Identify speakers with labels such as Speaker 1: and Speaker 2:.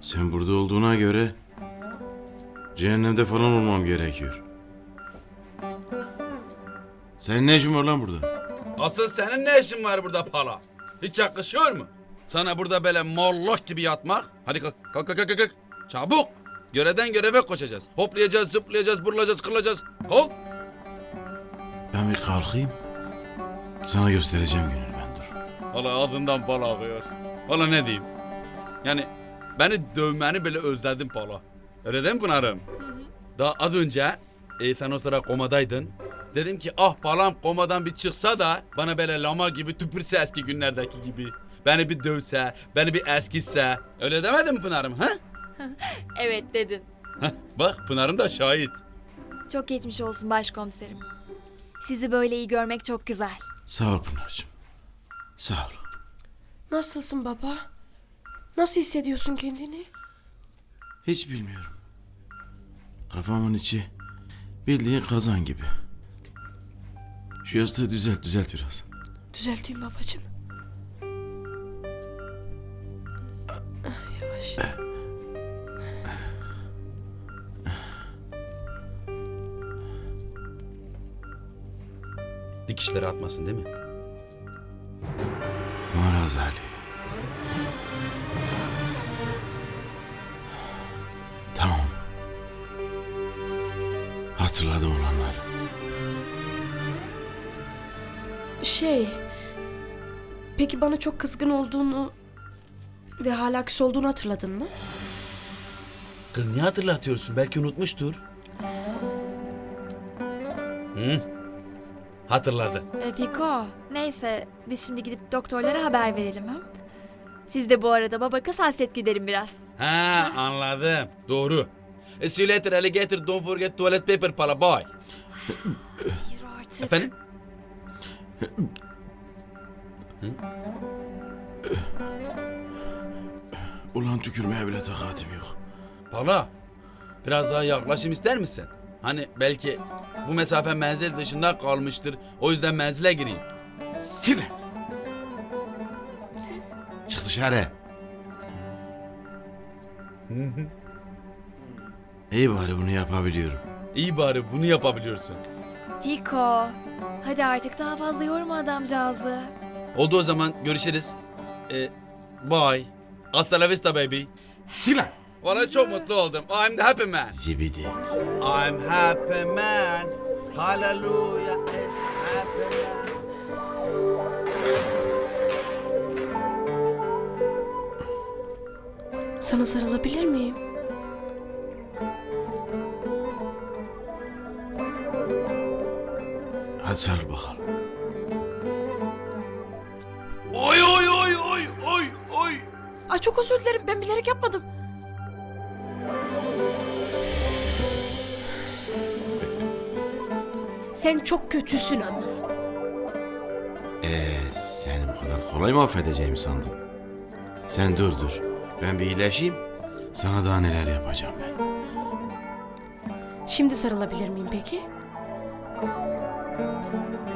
Speaker 1: Sen burada olduğuna göre cehennemde falan olmam gerekiyor. Senin ne işin var lan burada?
Speaker 2: Asıl senin ne işin var burada pala? Hiç yakışıyor mu? Sana burada böyle mollok gibi yatmak. Hadi kalk, kalk, kalk, kalk, kalk. Çabuk. Görevden göreve koşacağız. Hoplayacağız, zıplayacağız, burulacağız, kırılacağız. Kalk.
Speaker 1: Ben bir kalkayım. Sana göstereceğim gününü ben dur.
Speaker 2: Valla ağzından bal akıyor. Valla ne diyeyim? Yani beni dövmeni bile özledim pala. Öyle değil mi Pınar'ım? Daha az önce sen o sıra komadaydın. Dedim ki ah palam komadan bir çıksa da bana böyle lama gibi tüpürse eski günlerdeki gibi. Beni bir dövse, beni bir eskitse. Öyle demedin mi Pınar'ım ha?
Speaker 3: Evet dedin.
Speaker 2: Heh, bak Pınar'ım da şahit.
Speaker 3: Çok geçmiş olsun başkomiserim. Sizi böyle iyi görmek çok güzel.
Speaker 1: Sağ ol Pınar'cığım. Sağ ol.
Speaker 4: Nasılsın baba? Nasıl hissediyorsun kendini?
Speaker 1: Hiç bilmiyorum. Kafamın içi bildiğin kazan gibi. Şu yastığı düzelt biraz.
Speaker 4: Düzelteyim babacığım. Yavaş.
Speaker 2: Dikişleri atmasın değil mi?
Speaker 1: Maraz Ali. Tamam. Hatırladım olanları.
Speaker 4: Peki bana çok kızgın olduğunu ve hala küs olduğunu hatırladın mı?
Speaker 2: Kız niye hatırlatıyorsun? Belki unutmuştur. Hı? Hatırladı.
Speaker 3: Fiko, neyse biz şimdi gidip doktorlara haber verelim ha. Siz de bu arada baba kız hasret giderin biraz.
Speaker 2: Ha anladım. Doğru. See you later alligator. Don't forget toilet paper pala. Bye.
Speaker 3: Yürü artık.
Speaker 2: Efendim?
Speaker 1: Ulan tükürmeye bile takatim yok.
Speaker 2: Pala. Biraz daha yaklaşım ister misin? Hani belki bu mesafe menzil dışında kalmıştır. O yüzden menzile gireyim.
Speaker 1: Sine! Çık dışarı. İyi bari bunu yapabiliyorum.
Speaker 2: İyi bari bunu yapabiliyorsun.
Speaker 3: Fiko, hadi artık daha fazla yorma adamcağızı.
Speaker 2: Oldu o zaman görüşürüz. Bye. Hasta la vista baby.
Speaker 1: Sine!
Speaker 2: Valla çok mutlu oldum. I'm the happy man.
Speaker 1: Zibidi.
Speaker 2: I'm happy man. Hallelujah is happy man.
Speaker 4: Sana sarılabilir miyim?
Speaker 1: Hadi sarıl bakalım.
Speaker 2: Oy oy oy oy oy oy.
Speaker 4: Ay çok özür dilerim, ben bilerek yapmadım. Sen çok kötüsün ama.
Speaker 1: Seni bu kadar kolay mı affedeceğimi sandın? Sen dur. Ben bir iyileşeyim. Sana daha neler yapacağım ben.
Speaker 4: Şimdi sarılabilir miyim peki?